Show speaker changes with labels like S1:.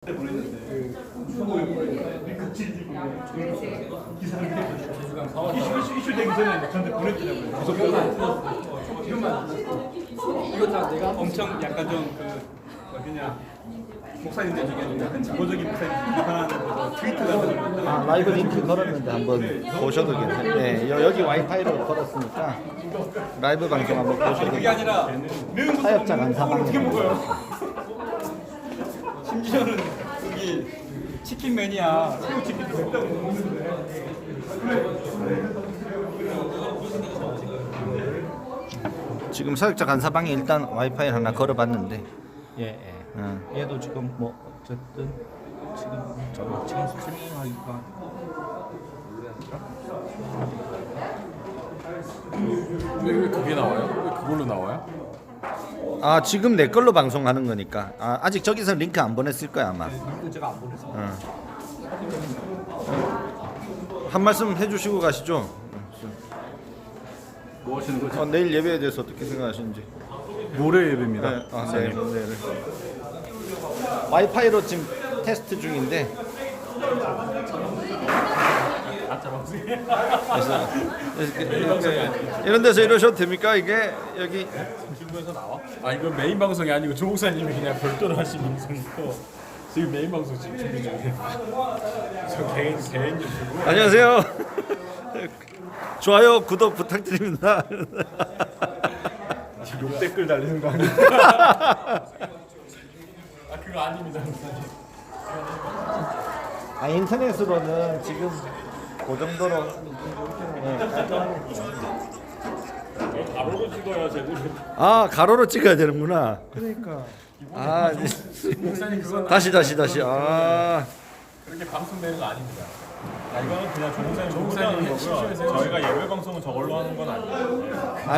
S1: 이슈되기 전에 저한테 보냈더라고요. 이거 다 내가 엄청 약간 좀그 어디냐 목사님들 중에 좀 약간 지고적인 목사님 비판하는 트위터가
S2: 아, 라이브 링크 걸었는데 한번 보셔도 괜찮아요. 네, 여기 와이파이로 걸었으니까 라이브 방송 한번 보셔도
S1: 그게 아니라 매운 것도
S2: 사역자
S1: 없는
S2: 간사방
S1: 어떻게 먹어요? 심지어는 여기 치킨 매니아 새우 치킨도 맵다고 먹는데
S2: 지금 사역자 간사방에 일단 와이파이 하나 걸어봤는데
S3: 예. 얘도 지금 뭐 어쨌든 지금 스트리밍하기가
S4: 왜 그게 나와요? 왜 그걸로 나와요?
S2: 아 지금 내 걸로 방송하는 거니까 아직 저기서 링크 안 보냈을 거야 아마.
S3: 링크 제가 안 보냈어요.
S2: 한 말씀 해주시고 가시죠.
S4: 뭐 하시는 거죠?
S2: 내일 예배에 대해서 어떻게 생각하시는지.
S4: 모레 예배입니다.
S2: 네, 내일. 와이파이로 지금 테스트 중인데. 이런 데서 이러셔도 됩니까 이게 여기?
S4: 아 이거 메인 방송이 아니고 조 목사님이 그냥 별도로 하신 방송이고 지금 메인 방송 지금 준비 중이에요. 저 개인 유튜브.
S2: 안녕하세요. 좋아요 구독 부탁드립니다.
S4: 욕 댓글 달리는 거 아니에요? 아 그거 아닙니다.
S2: 인터넷으로는 지금 그 정도로
S4: 가로로 찍어야 제대로.
S2: 가로로 찍어야 되는구나.
S4: 그러니까.
S2: 목사님 그건 다시.
S4: 그렇게 방송되는 거 아닙니다.
S1: 이거는 그냥 조 목사님 거고요. 저희가 예배 방송은 저걸로 하는 건 아니에요.